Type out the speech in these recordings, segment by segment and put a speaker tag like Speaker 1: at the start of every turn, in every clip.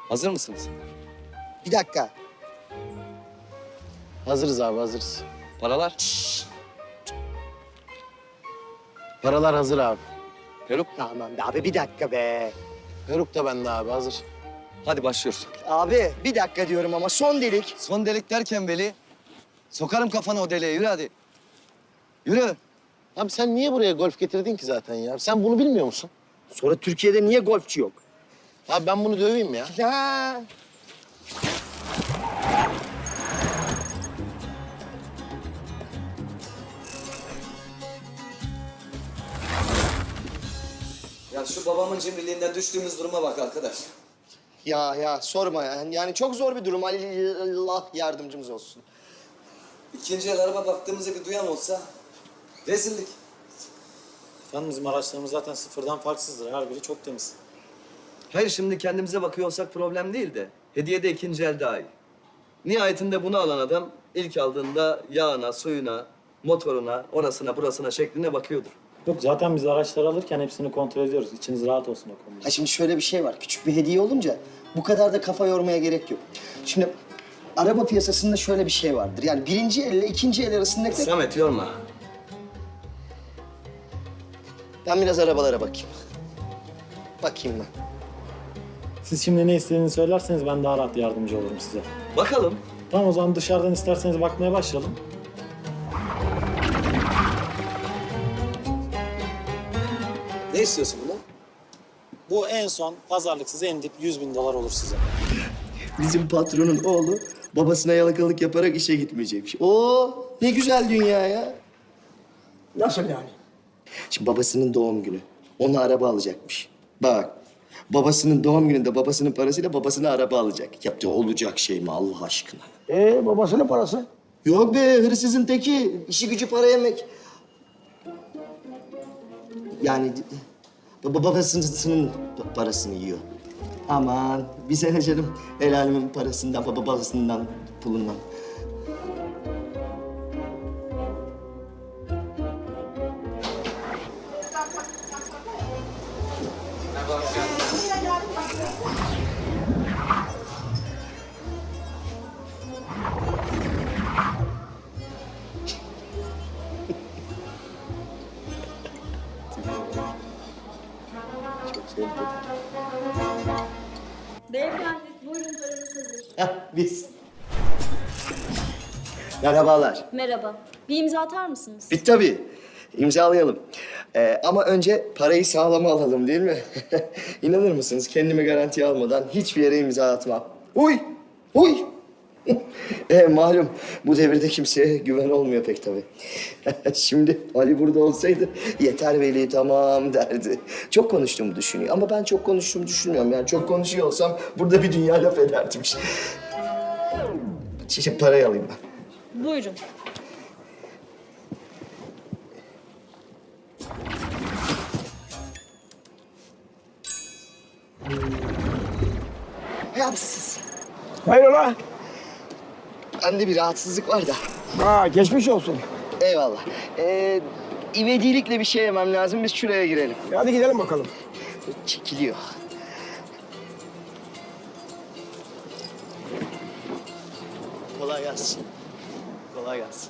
Speaker 1: Hazır mısınız?
Speaker 2: Bir dakika.
Speaker 3: Hazırız abi, hazırız.
Speaker 1: Paralar?
Speaker 3: Paralar hazır abi.
Speaker 1: Peruk.
Speaker 2: Tamam be abi bir dakika be.
Speaker 3: Peruk da bende abi, hazır.
Speaker 1: Hadi başlıyoruz.
Speaker 2: Abi bir dakika diyorum ama son delik.
Speaker 1: Son delik derken Veli, sokarım kafana o deliğe. Yürü hadi. Yürü.
Speaker 3: Abi sen niye buraya golf getirdin ki zaten ya? Sen bunu bilmiyor musun?
Speaker 2: Sonra Türkiye'de niye golfçi yok?
Speaker 3: Abi ben bunu döveyim ya.
Speaker 2: Ya.
Speaker 1: Ya şu babamın cimriliğinden düştüğümüz duruma bak arkadaş.
Speaker 2: Ya sorma ya. Yani çok zor bir durum. Allah yardımcımız olsun.
Speaker 1: İkinci el araba baktığımızda bir duyan olsa rezillik.
Speaker 4: Efendim bizim araçlarımız zaten sıfırdan farksızdır. Her biri çok temiz.
Speaker 1: Hayır şimdi kendimize bakıyor olsak problem değil de hediye de ikinci el daha iyi. Nihayetinde bunu alan adam ilk aldığında yağına, suyuna, motoruna, orasına, burasına şekline bakıyordur.
Speaker 4: Yok zaten biz araçları alırken hepsini kontrol ediyoruz. İçiniz rahat olsun o konuda.
Speaker 2: Ha şimdi şöyle bir şey var. Küçük bir hediye olunca bu kadar da kafa yormaya gerek yok. Şimdi araba piyasasında şöyle bir şey vardır. Yani birinci elle ikinci el arasındaki...
Speaker 1: Samet yorma.
Speaker 2: Ben biraz arabalara bakayım. Bakayım ben.
Speaker 4: Siz şimdi ne istediğini söylerseniz ben daha rahat yardımcı olurum size.
Speaker 1: Bakalım.
Speaker 4: Tamam o zaman dışarıdan isterseniz bakmaya başlayalım.
Speaker 1: Ne istiyorsun bundan?
Speaker 4: Bu en son pazarlıksız en dip 100.000 dolar olur size.
Speaker 2: Bizim patronun oğlu babasına yalakalık yaparak işe gitmeyecekmiş. Oo, ne güzel dünya ya.
Speaker 5: Nasıl yani?
Speaker 2: Şimdi babasının doğum günü. Ona araba alacakmış. Bak, babasının doğum gününde babasının parasıyla babasına araba alacak. Yaptığı olacak şey mi Allah aşkına?
Speaker 5: Babasının parası.
Speaker 2: Yok be, hırsızın teki. İşi gücü para yemek. Yani babasının parasını yiyor. Aman bize ne canım? El alemin parasından, babasından, pulundan.
Speaker 6: Beyefendi, buyurun paranız hazır.
Speaker 2: Hah, biz. Merhabalar.
Speaker 6: Merhaba. Bir imza atar mısınız?
Speaker 2: Bir tabii. İmzalayalım. Ama önce parayı sağlama alalım değil mi? İnanır mısınız? Kendimi garantiye almadan hiçbir yere imza atmam. Uy! Uy! Malum bu devirde kimseye güven olmuyor pek tabii. Şimdi Ali burada olsaydı yeter Veli tamam derdi. Çok konuştuğumu düşünüyor ama ben çok konuştuğumu düşünmüyorum. Yani çok konuşuyor olsam burada bir dünya laf ederdim. Şimdi parayı alayım ben.
Speaker 6: Buyurun.
Speaker 2: Yapsız.
Speaker 5: Hayrola?
Speaker 2: Bende bir rahatsızlık var da.
Speaker 5: Geçmiş olsun.
Speaker 2: Eyvallah. İvedilikle bir şey yemem lazım. Biz şuraya girelim.
Speaker 5: Hadi gidelim bakalım.
Speaker 2: Çekiliyor. Kolay gelsin. Kolay gelsin.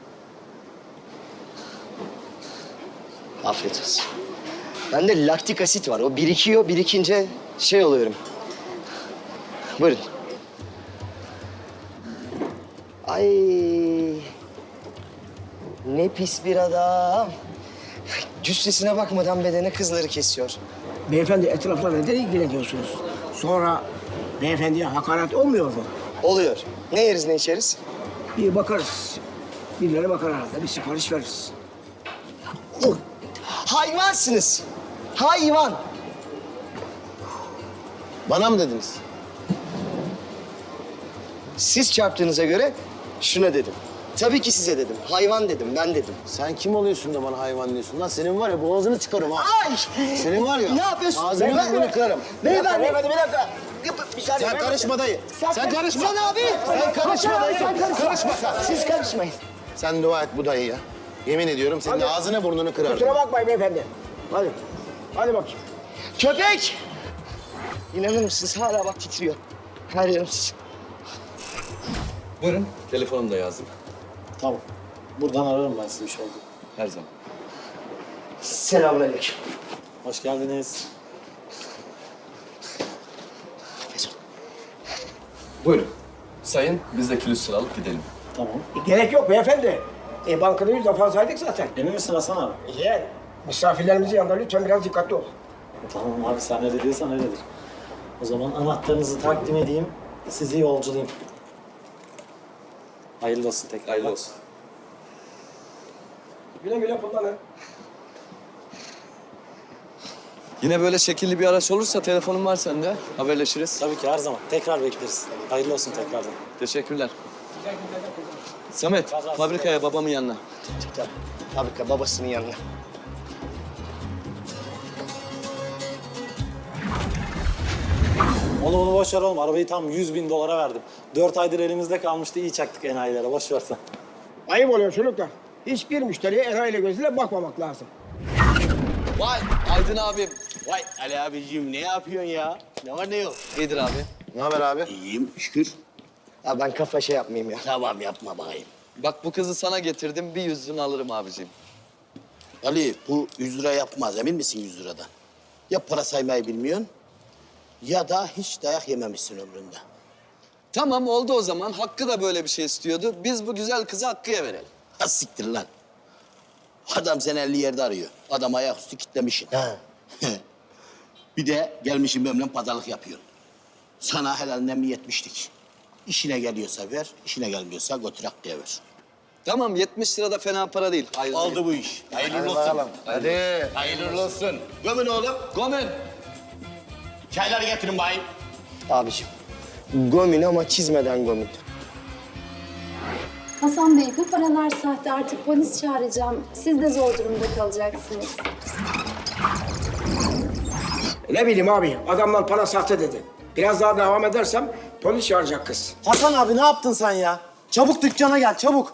Speaker 2: Afiyet olsun. Bende laktik asit var. O birikiyor, birikince şey oluyorum. Buyurun. Ay. Ne pis bir adam. Cüssesine bakmadan bedene kızları kesiyor.
Speaker 5: Beyefendi etrafla neden ilgileniyorsunuz? Sonra beyefendiye hakaret olmuyor mu?
Speaker 2: Oluyor. Ne yeriz ne içeriz?
Speaker 5: Bir bakarız. Birileri bakar herhalde. Bir sipariş veririz.
Speaker 2: Hayvansınız. Hayvan.
Speaker 3: Bana mı dediniz?
Speaker 2: Siz çarptığınıza göre şuna dedim. Tabii ki size dedim. Hayvan dedim, ben dedim.
Speaker 3: Sen kim oluyorsun da bana hayvan diyorsun? Lan senin var ya boğazını çıkarım ha.
Speaker 2: Ay!
Speaker 3: Senin var ya.
Speaker 2: Ne yapıyorsun?
Speaker 3: Ağzını burnunu kırarım.
Speaker 2: Beyefendi.
Speaker 5: Beyefendi bir dakika.
Speaker 2: Bir saniye.
Speaker 3: Sen karışma dayı. Sen karışma.
Speaker 2: Sen abi.
Speaker 3: Sen karışma dayı.
Speaker 2: Karışma. Siz karışmayın.
Speaker 3: Sen dua et bu dayıya. Yemin ediyorum senin ağzını burnunu kırarım.
Speaker 5: Kusura bakmayın beyefendi. Hadi. Hadi bakayım.
Speaker 2: Köpek! İnanır mısınız hala bak titriyor. Her yerim titriyor.
Speaker 1: Buyurun. Telefonumu da yazdım.
Speaker 4: Tamam. Buradan ararım ben sizi bir şey oldu.
Speaker 1: Her zaman.
Speaker 2: Selamünaleyküm.
Speaker 4: Hoş geldiniz.
Speaker 1: Buyurun. Sayın, biz de kilit sıra alıp gidelim.
Speaker 4: Tamam.
Speaker 5: Gerek yok beyefendi. Bankada 100 defa saydık zaten.
Speaker 4: Emin misin Hasan abi?
Speaker 5: Yeğen, misafirlerimizin yanında lütfen biraz dikkatli ol.
Speaker 4: Tamam abi sen öyle diyorsan öyledir. O zaman anahtarınızı takdim edeyim. Sizi yolculayayım. Hayırlı olsun tekrar.
Speaker 1: Hayırlı olsun.
Speaker 5: Güle güle kullanın.
Speaker 1: Yine böyle şekilli bir araç olursa telefonum var sende. Haberleşiriz.
Speaker 4: Tabii ki her zaman. Tekrar bekleriz. Hayırlı olsun tekrardan.
Speaker 1: Teşekkürler. Samet, fabrikaya babamın yanına.
Speaker 2: Fabrika babasının yanına.
Speaker 4: Onu boş ver oğlum. Arabayı tam 100.000 dolara verdim. 4 aydır elimizde kalmıştı. İyi çaktık enayilere. Boş ver sen.
Speaker 5: Ayıp oluyor çocuklar. Hiçbir müşteriye enayiyle gözüyle bakmamak lazım.
Speaker 3: Vay Aydın abim. Vay Ali abiciğim ne yapıyorsun ya? Ne var ne yok?
Speaker 1: İyidir abi.
Speaker 3: Ne haber abi? İyiyim şükür.
Speaker 2: Ya ben kafa şey yapmayayım ya.
Speaker 3: Tamam yapma bakayım.
Speaker 1: Bak bu kızı sana getirdim. Bir 100'ünü alırım abiciğim.
Speaker 3: Ali bu 100 lira yapmaz emin misin 100 liradan? Ya para saymayı bilmiyorsun ya da hiç dayak yememişsin ömründe.
Speaker 1: Tamam oldu o zaman. Hakkı da böyle bir şey istiyordu. Biz bu güzel kızı Hakkı'ya verelim.
Speaker 3: Ha siktir lan. Adam seni 50 yerde arıyor. Adam ayaküstü kitlemişsin. Bir de gelmişim benimle pazarlık yapıyorsun. Sana helalinden bir 70'lik. İşine geliyorsa ver, işine gelmiyorsa götür Hakkı'ya ver.
Speaker 1: Tamam 70 lira da fena para değil. Hayırlı
Speaker 3: Oldu bu iş. Hayırlı olsun.
Speaker 2: Hadi.
Speaker 3: Hayırlı olsun. Gömün oğlum.
Speaker 1: Gomen.
Speaker 3: Çayları getirin bayım.
Speaker 2: Abiciğim. Gomin ama çizmeden gomin.
Speaker 6: Hasan Bey, bu paralar sahte. Artık polis çağıracağım. Siz de zor durumda kalacaksınız.
Speaker 5: Ne bileyim abi, adamlar para sahte dedi. Biraz daha devam edersem polis çağıracak kız.
Speaker 4: Hasan abi ne yaptın sen ya? Çabuk dükkana gel çabuk.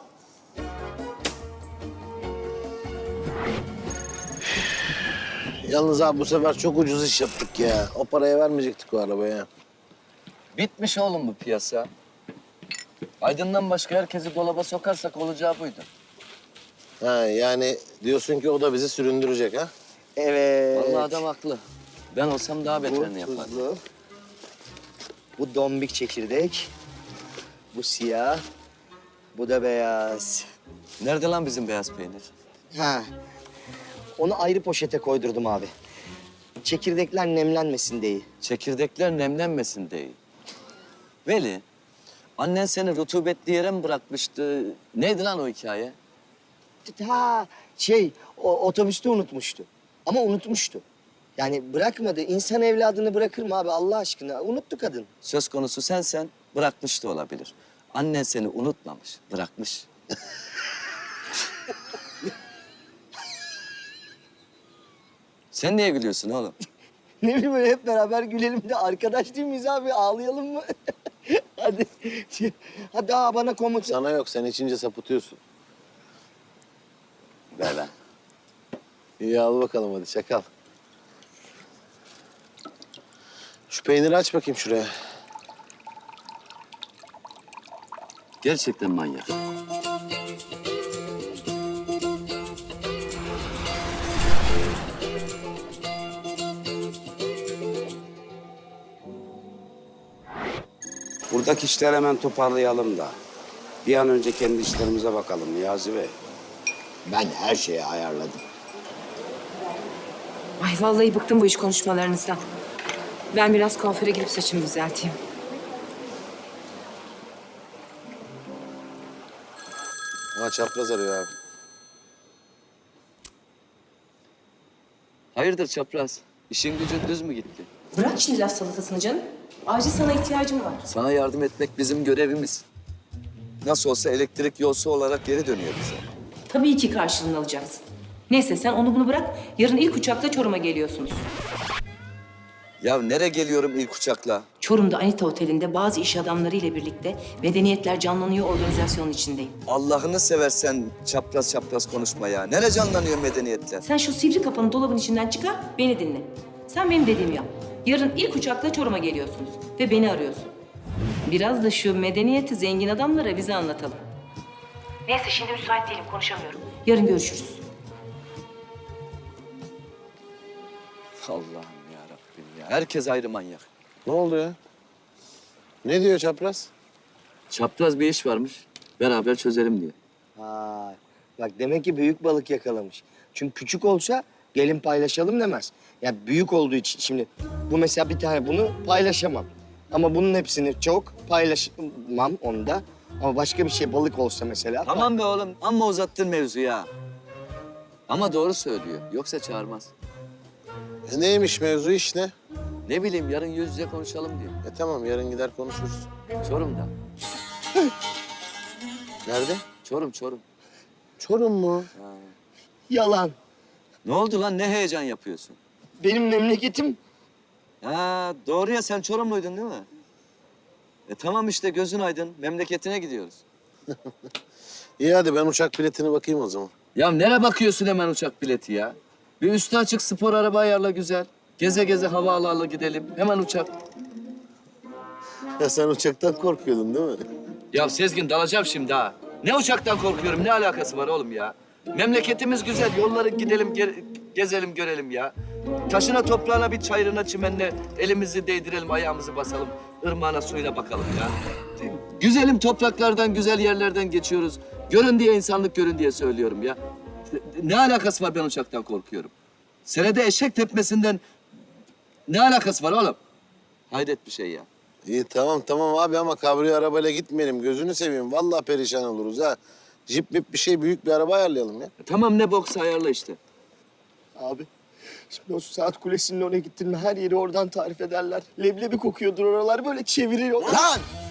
Speaker 3: Yalnız abi bu sefer çok ucuz iş yaptık ya. O paraya vermeyecektik o arabaya.
Speaker 1: Bitmiş oğlum bu piyasa. Aydın'dan başka herkesi dolaba sokarsak olacağı buydu.
Speaker 3: Ha yani diyorsun ki o da bizi süründürecek ha?
Speaker 2: Evet.
Speaker 1: Vallahi adam haklı. Ben olsam daha
Speaker 2: Bu
Speaker 1: beterini yapardım.
Speaker 2: tuzlu. Bu dombik çekirdek. Bu siyah. Bu da beyaz.
Speaker 1: Nerede lan bizim beyaz peynir?
Speaker 2: Ha. Onu ayrı poşete koydurdum abi. Çekirdekler nemlenmesin diye.
Speaker 1: Çekirdekler nemlenmesin diye. Veli, annen seni rutubetli yere mi bırakmıştı? Neydi lan o hikaye?
Speaker 2: Ha o otobüste unutmuştu. Ama unutmuştu. Yani bırakmadı. İnsan evladını bırakır mı abi Allah aşkına? Unuttu kadın.
Speaker 1: Söz konusu sensen bırakmış da olabilir. Annen seni unutmamış, bırakmış. Sen niye gülüyorsun oğlum?
Speaker 2: Ne bileyim böyle hep beraber gülelim de arkadaş değil miyiz abi? Ağlayalım mı? Hadi. Hadi bana komut.
Speaker 3: Sana yok sen içince sapıtıyorsun.
Speaker 1: Ver lan.
Speaker 3: İyi al bakalım hadi çakal. Şu peyniri aç bakayım şuraya.
Speaker 1: Gerçekten manyak.
Speaker 7: Buradaki işleri hemen toparlayalım da. Bir an önce kendi işlerimize bakalım Niyazi Bey.
Speaker 3: Ben her şeyi ayarladım.
Speaker 8: Ay vallahi bıktım bu iş konuşmalarınızdan. Ben biraz kuaföre gidip saçımı düzelteyim.
Speaker 3: Ha çapraz arıyor abi.
Speaker 1: Hayırdır çapraz? İşin gücün düz mü gitti?
Speaker 8: Bırak şimdi laf salatasını canım. Acil sana ihtiyacım var.
Speaker 1: Sana yardım etmek bizim görevimiz. Nasıl olsa elektrik yolsu olarak geri dönüyor bize.
Speaker 8: Tabii ki karşılığını alacaksın. Neyse sen onu bunu bırak. Yarın ilk uçakla Çorum'a geliyorsunuz.
Speaker 1: Ya nereye geliyorum ilk uçakla?
Speaker 8: Çorum'da Anita Oteli'nde bazı iş adamları ile birlikte Medeniyetler Canlanıyor organizasyonun içindeyim.
Speaker 1: Allah'ını seversen çapraz çapraz konuşma ya. Nereye canlanıyor medeniyetler?
Speaker 8: Sen şu sivri kafanı dolabın içinden çıkar, beni dinle. Sen benim dediğimi yap. Yarın ilk uçakla Çorum'a geliyorsunuz ve beni arıyorsun. Biraz da şu medeniyeti zengin adamlara bize anlatalım. Neyse şimdi müsait değilim, konuşamıyorum. Yarın görüşürüz.
Speaker 1: Allah'ım ya Rabbim ya. Herkes ayrı manyak.
Speaker 9: Ne oldu ya? Ne diyor çapraz?
Speaker 1: Çapraz bir iş varmış. Beraber çözelim diye.
Speaker 2: Vay. Bak demek ki büyük balık yakalamış. Çünkü küçük olsa gelin paylaşalım demez. Ya büyük olduğu için şimdi bu mesela bir tane bunu paylaşamam. Ama bunun hepsini çok paylaşmam onda. Ama başka bir şey balık olsa mesela.
Speaker 1: Tamam be oğlum. Amma uzattın mevzu ya. Ama doğru söylüyor. Yoksa çağırmaz.
Speaker 9: Neymiş mevzu iş ne?
Speaker 1: Ne bileyim yarın yüz yüze konuşalım diyor.
Speaker 9: Tamam yarın gider konuşuruz.
Speaker 1: Çorum'da.
Speaker 9: Nerede?
Speaker 1: Çorum.
Speaker 9: Çorum mu?
Speaker 2: Yalan.
Speaker 1: Ne oldu lan? Ne heyecan yapıyorsun?
Speaker 2: Benim memleketim
Speaker 1: Ha, doğru ya sen Çorumluydun değil mi? Tamam işte gözün aydın. Memleketine gidiyoruz.
Speaker 9: İyi hadi ben uçak biletine bakayım o zaman.
Speaker 1: Ya nereye bakıyorsun hemen uçak bileti ya? Bir üstü açık spor araba ayarla güzel. Geze geze hava ala gidelim. Hemen uçak.
Speaker 9: Ya sen uçaktan korkuyordun değil mi?
Speaker 1: Ya Sezgin dalacağım şimdi ha. Ne uçaktan korkuyorum? Ne alakası var oğlum ya? Memleketimiz güzel. Yolları gidelim, gezelim, görelim ya. Taşına, toprağına, bir çayırına, çimenine elimizi değdirelim, ayağımızı basalım. Irmağına, suyuna bakalım ya. Güzelim topraklardan, güzel yerlerden geçiyoruz. Görün diye, insanlık görün diye söylüyorum ya. Ne alakası var ben uçaktan korkuyorum? Senede eşek tepmesinden ne alakası var oğlum? Hayret bir şey ya.
Speaker 9: İyi tamam abi ama kabriyo arabayla gitmeyelim. Gözünü seveyim. Vallahi perişan oluruz ha. Jip mip bir şey büyük bir araba ayarlayalım ya.
Speaker 1: Tamam ne boksa ayarla işte.
Speaker 2: abi. Şimdi o saat kulesinin oraya gittin mi her yeri oradan tarif ederler. Leblebi kokuyordur oralar böyle çeviriyor.
Speaker 9: Lan!